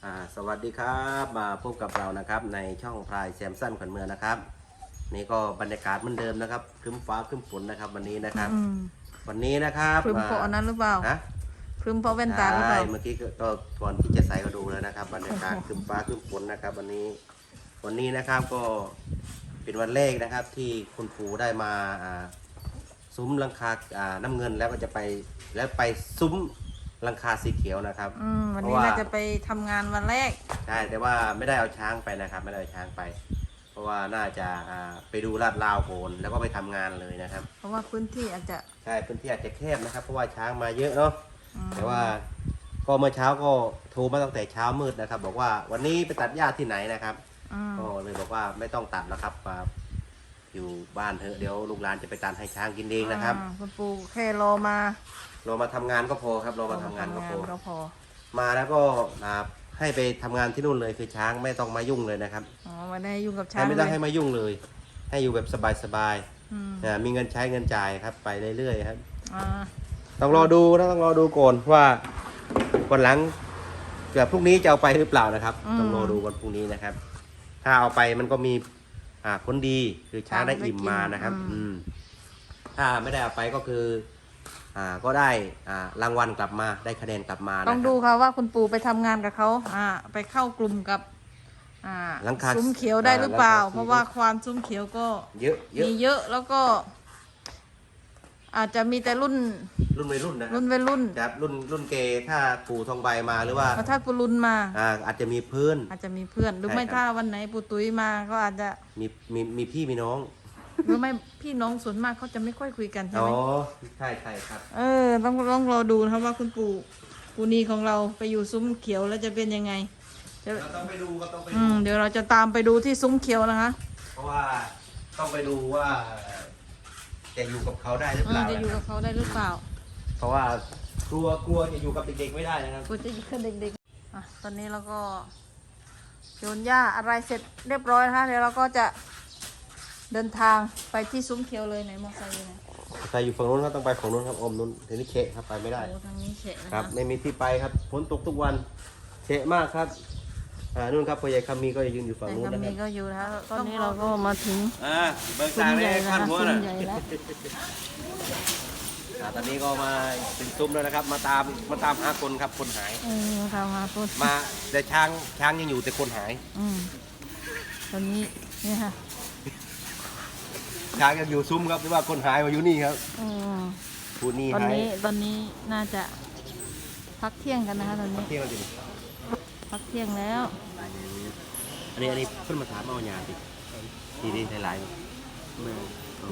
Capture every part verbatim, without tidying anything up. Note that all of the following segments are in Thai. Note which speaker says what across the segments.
Speaker 1: อ่าสวัสดีครับมาพบกับเรานะครับในช่องพลายแซมสันขวัญเมืองนะครับนี่ก็บรรยากาศเหมือนเดิมนะครับครึ้มฟ้าครึ้มฝนนะครับวันนี้นะครับ
Speaker 2: อืม
Speaker 1: วันนี้นะครับ
Speaker 2: ครึ้มเพราะอันนั้นหรือเปล่า
Speaker 1: ฮะ
Speaker 2: ครึ้มเพราะแว่นตาหรือเป
Speaker 1: ใช่
Speaker 2: ล่า
Speaker 1: เมื่อกี้ก็ก็ก่อนที่จะใส่ก็ดูแล้วนะครับบรรยากาศครึ้มฟ้าครึ้มฝนนะครับวันนี้วันนี้นะครับก็เป็นวันแรกนะครับที่คุณปู่ได้มาอ่าซุ้มหลังคาอ่าน้ำเงินแล้วก็จะไปแล้วไปซุ้มหลังคาสีเขียวนะครับ
Speaker 2: อืมวันนี้น่าจะไปทำงานวันแรก
Speaker 1: ใช่แต่ว่าไม่ได้เอาช้างไปนะครับไม่ได้เอาช้างไป เพราะว่าน่าจะอ่าไปดูลาดราวโอนแล้วก็ไปทำงานเลยนะครับ
Speaker 2: เพราะว่าพื้นที่อาจจะ
Speaker 1: ใช่พื้นที่อาจจะแคบนะครับ เพราะว่าช้างมาเยอะเนาะ
Speaker 2: อืม
Speaker 1: แต่ว่าก็เมื่อเช้าก็โทรมาตั้งแต่เช้ามืดนะครับ บอกว่าวันนี้ไปตัดหญ้าที่ไหนนะครับ
Speaker 2: อืม
Speaker 1: ก็เลยบอกว่าไม่ต้องตัดแล้วครับมาอยู่บ้านเถอะเดี๋ยวลูกหลานจะไปตัดให้ช้างกินเองนะครับ
Speaker 2: อ่าคุณปู่แค่รอมา
Speaker 1: เรามาทำงานก็พอครับเรามาทำงานก็พอ
Speaker 2: ก็พอ
Speaker 1: มาแล้วก็อ่าให้ไปทำงานที่นู่นเลยคือช้างไม่ต้องมายุ่งเลยนะครับ
Speaker 2: อ๋อไม่ได้ยุ่งกับช้า
Speaker 1: ให้
Speaker 2: ง
Speaker 1: ไม่ต้อง
Speaker 2: เลย
Speaker 1: ให้มายุ่งเลย ให้อยู่แบบสบาย
Speaker 2: อืม
Speaker 1: ๆนะมีเงินใช้เงินจ่ายครับไปเรื่อยๆครับ
Speaker 2: อ่า
Speaker 1: ต้องรอดูนะต้องรอดูก่อนว่าวันหลังเกือบพรุ่งนี้จะเอาไปหรือเปล่านะครับ ต้องรอดูวันพรุ่งนี้นะครับ ถ้าเอาไปมันก็มีอ่าผลดีคือช้างได้อิ่มมานะครับ อืมถ้าไม่ได้เอาไปก็คือ อ่าก็ได้อ่ารางวัลกลับมาได้คะแนนกลับมานะค
Speaker 2: ต้
Speaker 1: รั
Speaker 2: อบ งดูค่ะว่าคุณปู่ไปทำงานกับเขาอ่าไปเข้ากลุ่มกับอ่า
Speaker 1: หลังคา
Speaker 2: ซุ้มเขียวได้หรือเปล่า
Speaker 1: อ่าหลังคา
Speaker 2: เพราะว่าควานซุ้มเขียวก็
Speaker 1: เยอะเยอะ
Speaker 2: มีเยอะแล้วก็ อาจจะมีแต่รุ่น
Speaker 1: รุ่นวัยรุ่นนะครั
Speaker 2: รุ่
Speaker 1: บ
Speaker 2: นวัยรุ่น
Speaker 1: ครับรุ่นรุ่นเกถ้าปู่ทองใบมาหรือว่า
Speaker 2: แล้วถ้าปุรุนมา
Speaker 1: อ่าอาจจะมีเพื่อน
Speaker 2: อาจจะมีเพื่อนหรือไม่
Speaker 1: ใช่ครับ
Speaker 2: ถ้าวันไหนปู่ตุ้ยมาก็อาจจะ
Speaker 1: มีมีมีพี่มีน้อง
Speaker 2: หรือไม่พี่น้องส่วนมากเขาจะไม่ค่อยคุยกันใช่
Speaker 1: อ๋อ
Speaker 2: ไหม
Speaker 1: ใช่ใช่ครับ
Speaker 2: เออต้องต้องรอดูนะครับว่าคุณปู่ปู่นีของเราไปอยู่ซุ้มเขียวแล้วจะเป็นยังไงจะ
Speaker 1: เราต้องไปดูก็ต้องไป
Speaker 2: อื
Speaker 1: ดู
Speaker 2: มเดี๋ยวเราจะตามไปดูที่ซุ้มเขียวนะคะ
Speaker 1: เพราะว่าต้องไปดูว่าจะอยู่กับเขาได้หรือ
Speaker 2: เอ
Speaker 1: เป
Speaker 2: อ
Speaker 1: ล่า
Speaker 2: จะอยู่กับเขาได้หรือเปล่า
Speaker 1: เพราะว่ากลัวกลัวจะอยู่กับเด็กๆไม่ได้นะครับ
Speaker 2: กูจะอยู่กับเด็กๆอ่ะตอนนี้เราก็โยนหญ้าอะไรเสร็จเรียบร้อยนะคะเดี๋ยวเราก็จะเดินทางไปที่ซุ้มเขียวเลยไหนมอไซค์อยู่ไหน
Speaker 1: ใครอยู่ฝั่งนู้นก็ต้องไปฝั่งนู้นครับอมนู้นทีนี้เชะครับไปไม่ได้
Speaker 2: โอ้ทางนี้เฉะนะ
Speaker 1: ค
Speaker 2: คะ
Speaker 1: รับไม่มีที่ไปครับฝนตกทุกวันเชะมากครับอ่านู่นครับพ่อใหญ่คำมีก็ยืนอยู่ฝั่ง
Speaker 2: แต่
Speaker 1: นู้น
Speaker 2: ก็
Speaker 1: นะค
Speaker 2: มี
Speaker 1: รับ
Speaker 2: ก็อยู่นะคะตอนนี้เราก็มาถึง
Speaker 1: อ่าเบิก
Speaker 2: ซุ้
Speaker 1: ตาม
Speaker 2: ให
Speaker 1: เล
Speaker 2: ญ่
Speaker 1: ย
Speaker 2: นะ
Speaker 1: ขั้น
Speaker 2: คะ
Speaker 1: หัว
Speaker 2: ซุ้ม
Speaker 1: น่ะ
Speaker 2: ใหญ่แล้ว
Speaker 1: อ่าตอนนี้ก็มาถึงซุ้มแล้วนะครับ มาตามมาตามหาคนครับคนหาย
Speaker 2: เออมาทำมาพูด
Speaker 1: มาแต่ช้างช้างยังอยู่แต่คนหาย
Speaker 2: อืมตอนนี้เนี่ยค่ะ
Speaker 1: ช้างยังอยู่ซุ้มครับหรือว่าคนหายมาอยู่นี่ครับ
Speaker 2: อืม
Speaker 1: ผู้นี่
Speaker 2: ตอน
Speaker 1: หาย
Speaker 2: นี้ตอนนี้น่าจะพักเที่ยงกันนะคะตอนนี้
Speaker 1: เที่ยงแล้วจิ
Speaker 2: พักเที่ยงแล้ว
Speaker 1: อันนี้อันนี้เพิ่นมาถามเอาหยาดิทีนี้หลายๆแม่อ๋อ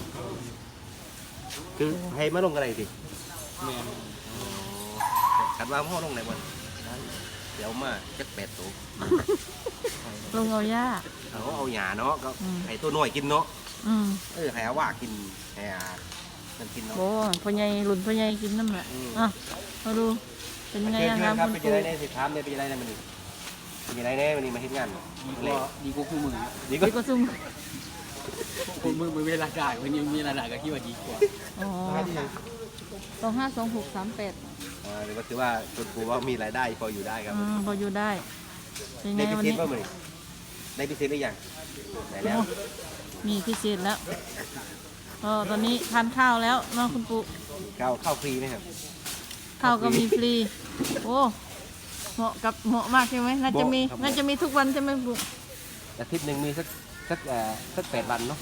Speaker 1: คือให้มาลงอะไรดิแม่ขัดว่าพ่อลงไหนวันเดี๋ยวมาจักแปดตัว
Speaker 2: ลงเอาหญ้า
Speaker 1: เขาเอาหยาเนาะก็
Speaker 2: อืม
Speaker 1: ให้ตัวน้อยกินเนาะ
Speaker 2: อืม
Speaker 1: เออให้อาว่ากินให้อามันกินเนาะ
Speaker 2: โบพ่อใหญ่หลุนพ่อใหญ่กินน้ำแหละ
Speaker 1: อืม
Speaker 2: อ่ะมาดูเป็นไง
Speaker 1: เชิญ
Speaker 2: อะ
Speaker 1: เชิ
Speaker 2: คะ
Speaker 1: ญครับ
Speaker 2: คุณ
Speaker 1: เป็นยัง
Speaker 2: ปู่
Speaker 1: ไงแน่สิถามเนี่ยเป็นยังไงแน่มันนี่เป็นยังไงแน่มันนี่มาเฮ็ดงานดีกว่าดีกว่าคู่มือดีกว่า
Speaker 2: ดีกว่าซุ่ม
Speaker 3: คนมือมือเวลาด่าวันนี้มีเวลาด่าก็คิดว่าดีกว่า
Speaker 2: อ๋อสองห้าสองหกสามแปด
Speaker 1: อ่าหรือว่าถือว่าคุณครูว่ามีรายได้พออยู่ได้ครับ
Speaker 2: อืมพออยู่ได้เป็นไง
Speaker 1: ได้พิ
Speaker 2: วัน
Speaker 1: เศษ
Speaker 2: นี้
Speaker 1: ป่ะมึงได้พิเศษหรือยังได้แล้ว
Speaker 2: โอ้มีพิเศษแล้วเออตอนนี้ทานข้าวแล้วเนาะคุณปู่
Speaker 1: ข้าวข้าวฟรีไหมครับ
Speaker 2: ข้าวก็มีฟรีโอ้เหมาะกับเหมาะมากใช่ไหมน่าจะมี
Speaker 1: เหมาะครับ
Speaker 2: น่าจะมีทุกวันใช่ไหมปู่
Speaker 1: อาทิตย์หนึ่งมีสักสักเอ่อสักแปดวันเนาะ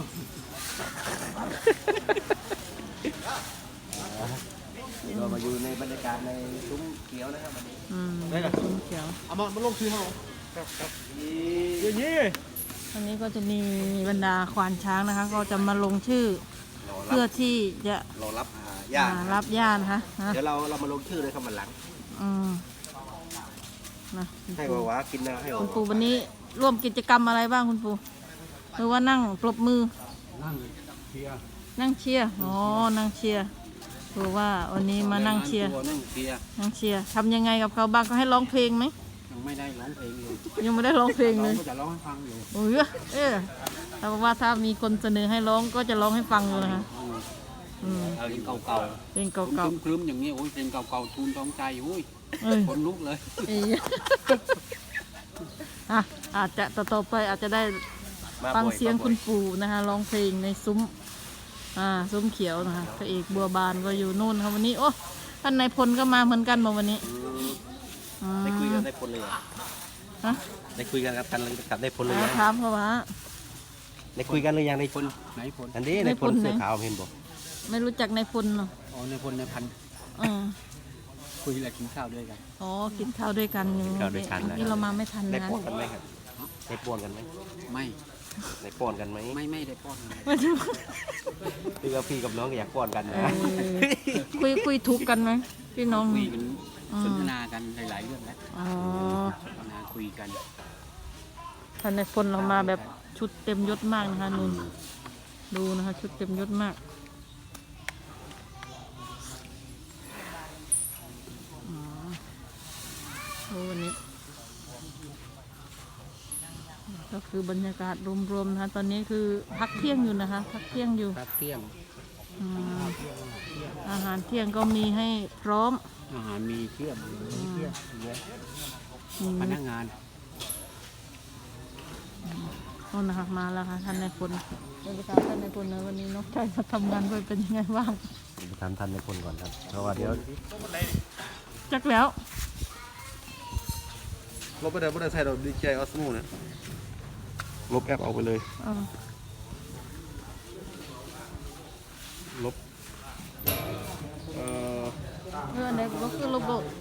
Speaker 1: เรามาอยู่ในบรรยากาศในซุ้มเขียวนะครับวันนี้
Speaker 2: อืมซุ้มเขียว
Speaker 3: เอามามาลงชื่อเขา
Speaker 1: อย่างนี้
Speaker 2: วันนี้ก็จะมีบรรดาควานช้างนะคะ ก็จะมาลงชื่อ
Speaker 1: รอรั
Speaker 2: เพื่อบ ที่จะ
Speaker 1: รอรับอ่าญาติ
Speaker 2: อ่ารับญาตินะคะนะ
Speaker 1: เดี๋ยวเราเรามาลงชื่อเลยครับวันหลัง
Speaker 2: อืมนะ
Speaker 1: ให้วาวากินนะให้วา
Speaker 2: คุณ
Speaker 1: วา
Speaker 2: ปู่วันนี้ร่วมกิจกรรมอะไรบ้างคุณปู่หรือว่านั่งปรบมือ
Speaker 3: นั่งเชียร์
Speaker 2: นั่งเชียร์อ๋อนั่งเชียร์คือว่าวันนี้มานั่งเชียร์
Speaker 3: ตัวนั่งเชียร์
Speaker 2: นั่งเชียร์ทำยังไงกับเขาบ้างก็ให้ร้องเพลงไหม
Speaker 3: ยังไม่ได้ร้องเพลงเลย
Speaker 2: ยังไม่ได้ร้องเพลงเลย
Speaker 3: ก็จะร้องให้ฟังอยู่
Speaker 2: โอ้ยเออแต่ว่าถ้ามีคนเสนอให้ร้องก็จะร้องให้ฟังอยู่นะคะอืม
Speaker 3: เพลงเก่า
Speaker 2: เพลง
Speaker 3: ๆ
Speaker 2: เก่า
Speaker 3: ครึ้มๆอย่างนี้โอ้ยเพลงเก่าๆทูนท้องใจโอ้ย
Speaker 2: ๆเอ้ย
Speaker 3: คนลุกเลย
Speaker 2: อีอ่ะอาจจะต่อต่อไปอาจจะได้
Speaker 1: มา
Speaker 2: ฟัง
Speaker 1: บ่อ
Speaker 2: เสียง
Speaker 1: มาบ่อ
Speaker 2: คุณปู่นะคะร้องเพลงในซุ้มอ่าซุ้มเขียวนะคะพระเอกบัวบานก็อยู่นู่นค่ะวันนี้โอ้ท่านนายพลก็มาเหมือนกันมาวันนี้
Speaker 1: อืมได้คุยกันได้ผลเลยเหรอ
Speaker 2: ฮะ
Speaker 1: ได้คุยกันกับกันกับได้ผลเลย
Speaker 2: อ่า
Speaker 1: ยัง
Speaker 2: ถามเขาว่า
Speaker 1: ได้คุยกันหรือยังได้ผล
Speaker 3: ไหนพล
Speaker 1: อันนี้
Speaker 2: ได้
Speaker 1: ได้ผล
Speaker 2: ผลไหน
Speaker 1: เสื้อขาวเห็นบอก
Speaker 2: ไม่รู้จักนายพลเนาะ
Speaker 3: อ๋อในพลในพัน
Speaker 2: เออ
Speaker 3: คุยอะไรกินข้าวด้วยกัน
Speaker 2: อ๋อกินข้าวด้วยกันอยู่
Speaker 1: ข้าวด้วยกันนะ
Speaker 2: นี่เรามาไม่ทัน
Speaker 1: ได้
Speaker 2: นะ
Speaker 1: ป้อนกันไหมครับได้ป้อนกันไหม
Speaker 3: ไม่
Speaker 1: ได้ป้อนกันไหม
Speaker 3: ไม่ไม่ได้ป้อนอะไร
Speaker 2: ไม่รู้
Speaker 1: พี่กับพี่กับน้องก็อยากป้อนกัน
Speaker 2: เอ
Speaker 1: นะ
Speaker 2: อคุยคุยทุกข์กันไหมพี่น้อง
Speaker 3: คุยเป็นสนทนากันหลายๆเรื่องแล้ว
Speaker 2: อ๋อ
Speaker 3: สนทนาคุยกัน
Speaker 2: ท่านนายพลเรามาแบบชุดเต็มยศมากนะคะนุ่นดูนะคะชุดเต็มยศมากอ๋อโอ้วันนี้ ก็คือบรรยากาศรวมๆนะคะตอนนี้คือพักเที่ยงอยู่นะคะ พักเที่ยงอยู่
Speaker 3: พักเที่ยง
Speaker 2: อืมอาหารเที่ยงก็มีให้พร้อม
Speaker 3: อาหารมีเชื่อมมีเชื่อมเยอะ
Speaker 2: มี
Speaker 3: พนักงาน
Speaker 2: โน่นนะคะมาแล้วค่ะท่านนายพลเดี๋ยวไปถามท่านนายพลนะวันนี้นกชัยมาทำงานด้วยเป็นยังไงบ้าง
Speaker 1: ไปถามท่านในคนก่อนครับเพราะว่าเดี๋ยว
Speaker 2: จักแล้ว
Speaker 4: ลบไปเดี๋ยวไม่ได้ใส่เราดีเจออสโมเนี่ยลบแอปออกไปเลย
Speaker 2: เออ
Speaker 4: ลบเอ่อ
Speaker 2: เพื่อนไหนก็คือระบบ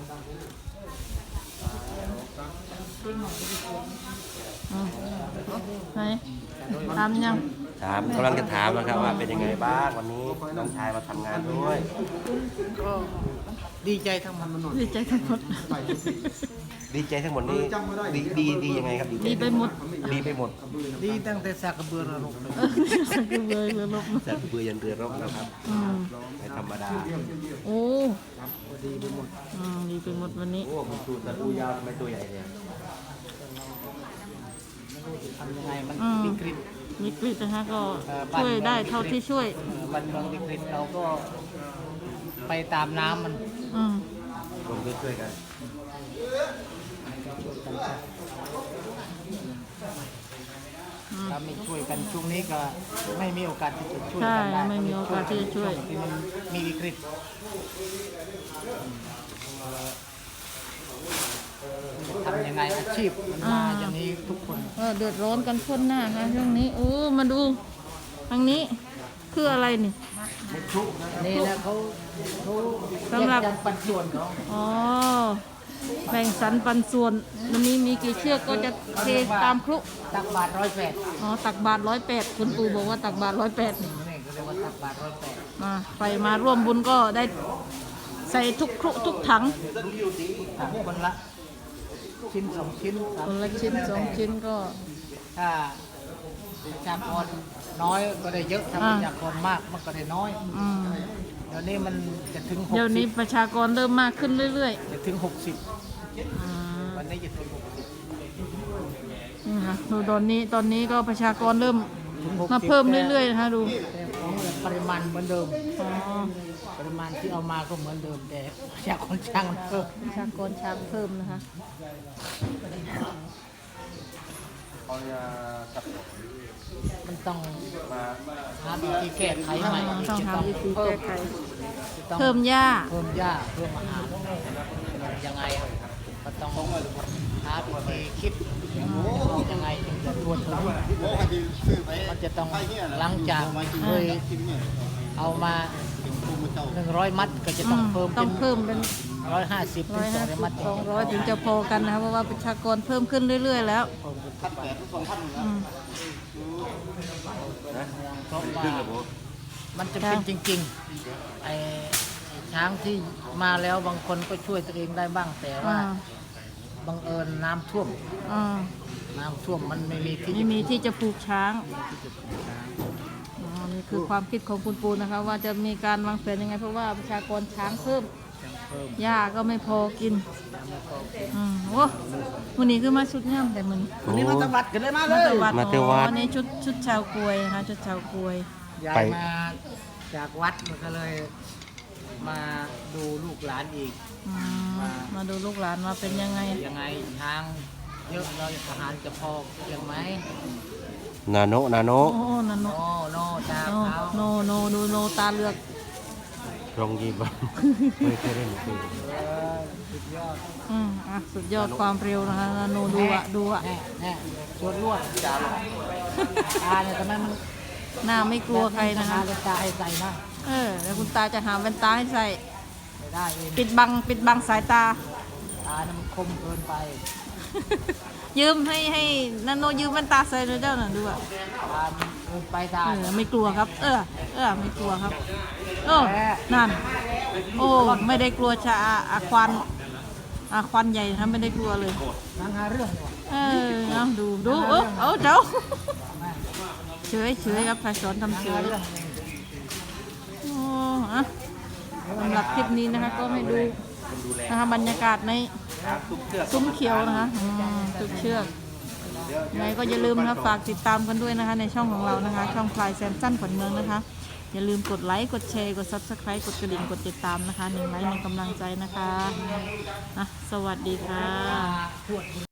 Speaker 2: อืมไหนทำยัง
Speaker 1: ถามกำลังจะถามนะครับว่าเป็นยังไงบ้างวันนี้น้องชายมาทำงานด้วย
Speaker 3: ก็ดีใจทั้งมันมันหน
Speaker 2: ดีใจทั้งหมด
Speaker 1: ดีใจทั้งหมดนี้ดีดีดียังไงครับ
Speaker 2: ดีไปหมด
Speaker 1: ดีไปหมด
Speaker 3: ดีตั้งแต่สากกระเบือระลกเลย
Speaker 2: เออสักเบยเลยลบ
Speaker 1: จากเบื่อยันเรือรบนะครับ
Speaker 2: อืม
Speaker 1: ไม่ธรรมดา
Speaker 2: โอ้ดีไปหมดอืมดีไปหมดวันนี้
Speaker 1: โอ้มันตูตะปูยาวทำไมตัวใหญ่เนี่ย
Speaker 3: ทำยังไงมัน
Speaker 2: อืม
Speaker 3: วิกฤต
Speaker 2: วิกฤตนะคะก็ช่วยได้เท่าที่ช่วย
Speaker 3: วันบางวิกฤตเราก็ไปตามน้ำมัน
Speaker 2: อืม
Speaker 1: ลงช่วยๆกัน
Speaker 3: ถ้าไม่ช่วยกันช่วงนี้ก็ไม่มีโอกาสที่จะช่วย
Speaker 2: ใช่
Speaker 3: กันได้
Speaker 2: ไม่มีโอกาสที่จะช่วย
Speaker 3: ที่มันมีวิกฤตทำยังไงอาชีพมันมาอย่างนี้ทุกคน
Speaker 2: เออเดือดร้อนกันพ้นหน้าค่ะช่วงนี้โอ้มาดูทางนี้คืออะไรนี่
Speaker 3: นี่นะเขาเขา
Speaker 2: สำหรับ
Speaker 3: แยกปันส่วนเขา
Speaker 2: อ๋อแบ่งสรรปันส่วนมันนี้มีกี่เชือกก็จะเทตามครุ
Speaker 3: ตักบาทร้อยแปด
Speaker 2: อ๋อตักบาทร้อยแปดคุณปู่บอกว่าตักบาทร้อยแปด
Speaker 3: นี่ก็เรียกว่าตักบาทร้อยแปด
Speaker 2: มาไปมาร่วมบุญก็ได้ใส่ทุกครุทุกถัง
Speaker 3: ตักคนละชิ้นสองชิ้นสาม
Speaker 2: คนละชิ้นสองชิ้นก็
Speaker 3: ถ้าประชากรน้อยก็ได้เยอะถ้า
Speaker 2: อ่า
Speaker 3: ประชากรมากมันก็ได้น้อย
Speaker 2: อืม
Speaker 3: เดี๋ยวนี้มันจะถึงหก
Speaker 2: เดี๋ยว
Speaker 3: สิ
Speaker 2: นี้
Speaker 3: บ
Speaker 2: ประชากรเริ่มมากขึ้นเรื่อย
Speaker 3: จะถึงหกสิบ
Speaker 2: ๆอืม
Speaker 3: วันนี้จะถึงหกสิบ
Speaker 2: นี่ค่ะดูตอนนี้ตอนนี้ก็ประชากรเริ่ม
Speaker 3: ถึงหกสิบ
Speaker 2: มาเพิ่มเรื่อยๆนะคะดู
Speaker 3: แต่ของปริมาณเหมือนเดิม
Speaker 2: อ๋อ
Speaker 3: ปริมาณที่เอามาก็เหมือนเดิมแต่ประชากรช่างมันเพิ่ม
Speaker 2: ประชากรช้างเพิ่มนะคะ
Speaker 1: เขาจะสับ
Speaker 3: มันต้อง
Speaker 1: มา
Speaker 3: หาวิธีแก้ไขใหม่
Speaker 2: อ๋อต้อง
Speaker 3: จะ
Speaker 2: หาวิธีแก้ไข
Speaker 3: จะต้อง
Speaker 2: เพิ่มหญ้า
Speaker 3: เพิ่มหญ้าเพิ่มอาหารยังไงอะก็ต้องหาวิธีคิดยังไงถึงจะทวนถึงมันจะต้องหลังจากเคยเอามาหนึ่งร้อยมัดก็จะ
Speaker 2: อื
Speaker 3: ต้อง
Speaker 2: ม
Speaker 3: เพิ่ม
Speaker 2: ต้
Speaker 3: เป็
Speaker 2: อง
Speaker 3: น
Speaker 2: เพิ่มเป็น
Speaker 3: ร้อยห้าสิบ
Speaker 2: ร้
Speaker 3: ถึ
Speaker 2: อง ย
Speaker 3: สอง
Speaker 2: ห้า
Speaker 3: ร้อย
Speaker 2: สิ
Speaker 3: มั
Speaker 2: บ
Speaker 3: ด
Speaker 2: สองร้อยถึงจะพอกันนะคะเพราะว่าประชากรเพิ่มขึ้นเรื่อย ๆ แล้วอืม
Speaker 3: เพราะว่า
Speaker 1: ขึ้นกับผม
Speaker 3: มันจะเป็นจริงๆไอ้ไอ้ช้างที่มาแล้วบางคนก็ช่วยตัวเองได้บ้างแต่ว่า
Speaker 2: อ่า
Speaker 3: บังเอิญน้ำท่วม
Speaker 2: อ่า
Speaker 3: น้ำท่วมมันไม่มีที่
Speaker 2: ไม่มีที่จะปลูกช้างอ๋อนี่คือความคิดของคุณปูนะคะ ว่าจะมีการวางแผนยังไง เพราะว่าประชากรช้างเพิ่ม
Speaker 3: เพิ่ม
Speaker 2: หญ้าก็ไม่พอกินอืมโอ้วันนี้คือมาชุดงามแต่มัน
Speaker 3: วันนี้มาตวัดกันเลยมาเล
Speaker 2: มาย ตวัด
Speaker 1: มาเทวั
Speaker 2: อ๋
Speaker 1: ด
Speaker 2: ออันนี้ชุดชุดชาวกวยนะคะชุดชาวกวย
Speaker 3: ย้า
Speaker 1: ไป
Speaker 3: ยมาจากวัดมันก็เลยมาดูลูกหลานอีก
Speaker 2: อืมมาดูลูกหลานมาเป็นยังไง
Speaker 3: ยังไงทางเยอะเลยทหารจะพอเพียงไหม
Speaker 1: นาโนนาโน
Speaker 2: โอ้นันโน
Speaker 3: โน่โน่ตาม
Speaker 2: โน
Speaker 3: เขา
Speaker 2: โนโนดูโนตาเลือก
Speaker 1: ตรงยีบไม่เคยเล่นคือ
Speaker 3: เออสุดยอด
Speaker 2: อืมอ่ะสุดยอดความเร็วนะคะนาโนดูอ่ะดูอ่ะ
Speaker 3: แน่แน่ชวนรวดตาเนี่ยทำไมมัน
Speaker 2: หน้าไม่กลัวใครนะคะ
Speaker 3: ตาตาให้ใส่นะ
Speaker 2: เออแล้วคุณตาจะหาแว่นตาให้ใส่
Speaker 3: ไม่ได้เอง
Speaker 2: ปิดบังปิดบังสายตา
Speaker 3: ตาเนี่ยมันคมเกินไป
Speaker 2: ยืมให้ให้นาโนยืมแว่นตาใส่เลยเจ้าหน่อยดูอ่ะ
Speaker 3: ตามันเกินไปตา
Speaker 2: เออไม่กลัวครับ เออ เออไม่กลัวครับโอ้นั่น โอ้ไม่ได้กลัวชาอาควันอาควันใหญ่นะไม่ได้กลัวเลย
Speaker 3: นั่งหาเรื่องอยู่
Speaker 2: เออเอาดูดูเออเอาเจ้าเฉยเฉยครับพายสอนทำเฉ
Speaker 3: หาย เรื่อง
Speaker 2: โอ้อะสำหรับคลิปนี้นะคะก็ให้ดูนะคะบรรยากาศในซุ้มเขียวนะคะอืมตุกเชือกยังไงก็อย่าลืมนะคะฝากติดตามกันด้วยนะคะในช่องของเรานะคะ ช่องพลายแซมสั้นขวัญเมืองนะคะ อย่าลืมกดไลค์กดแชร์กด ซับสไครบ์ กดกระดิ่งกดติดตามนะคะหนึ่งไลค์หนึ่งกำลังใจนะคะอ่ะสวัสดีค่ะ
Speaker 3: ขวด